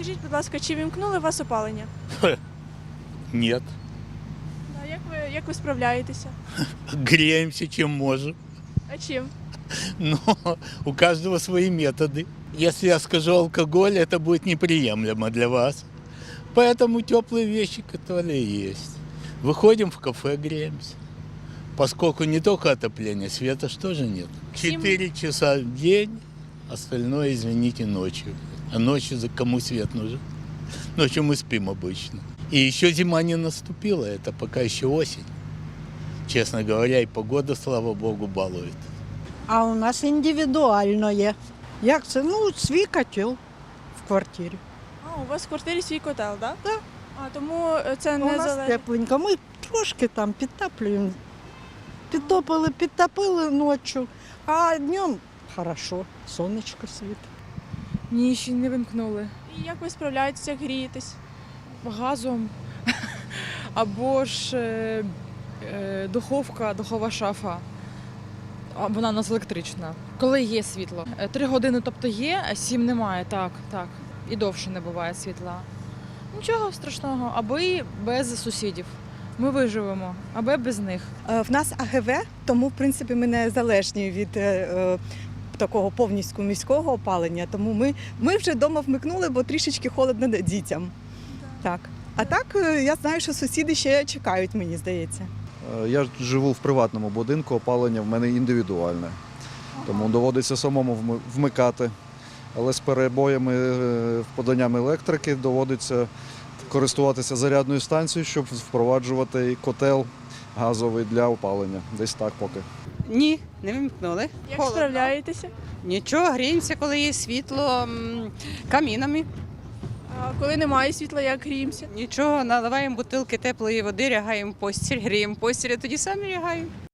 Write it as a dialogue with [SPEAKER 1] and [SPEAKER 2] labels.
[SPEAKER 1] Скажіть, будь ласка, чи вімкнули у вас опалення?
[SPEAKER 2] Нет.
[SPEAKER 1] Да, як ви справляєтеся?
[SPEAKER 2] Греемся, чем можем.
[SPEAKER 1] А чим?
[SPEAKER 2] Но у каждого свои методы. Если я скажу алкоголь, это будет неприемлемо для вас. Поэтому теплые вещи, которые есть. Выходим в кафе, греемся. Поскольку не только отопление, света ж тоже нет. 4 часа в день, остальное, извините, ночью. А ночью за кому свет нужен? Ночью мы спим обычно. И еще зима не наступила, это пока еще осень. Честно говоря, и погода, слава богу, балует.
[SPEAKER 3] А у нас індивідуально є. Як це? Ну, свій котел в квартирі.
[SPEAKER 1] А, у вас в квартирі свій котел, так?
[SPEAKER 3] Да.
[SPEAKER 1] А, тому це
[SPEAKER 3] У
[SPEAKER 1] не
[SPEAKER 3] нас
[SPEAKER 1] залежить.
[SPEAKER 3] тепленько. Ми трошки там підтоплюємо. Підтопили ночі, а днем хорошо, сонечко світить.
[SPEAKER 4] Ні, ще не вимкнули.
[SPEAKER 1] І як ви справляєтеся, як грієтесь?
[SPEAKER 4] Газом або ж духова шафа. Вона у нас електрична. Коли є світло. 3 години, тобто є, а 7 немає. Так. І довше не буває світла. Нічого страшного, аби без сусідів. Ми виживемо, аби без них.
[SPEAKER 5] В нас АГВ, тому в принципі ми не залежні від такого повністю міського опалення. Тому ми вже вдома вмикнули, бо трішечки холодно дітям. Так. А так я знаю, що сусіди ще чекають, мені здається.
[SPEAKER 6] Я живу в приватному будинку, опалення в мене індивідуальне, тому доводиться самому вмикати. Але з перебоями в поданням електрики доводиться користуватися зарядною станцією, щоб впроваджувати котел газовий для опалення. Десь так поки.
[SPEAKER 7] Ні, не вимкнули.
[SPEAKER 1] Як справляєтеся?
[SPEAKER 7] Нічого, гріємося, коли є світло, камінами.
[SPEAKER 1] А коли немає світла, як гріємося?
[SPEAKER 7] Нічого, наливаємо бутилки теплої води, лягаємо в постіль, гріємо постіль, а тоді самі лягаємо.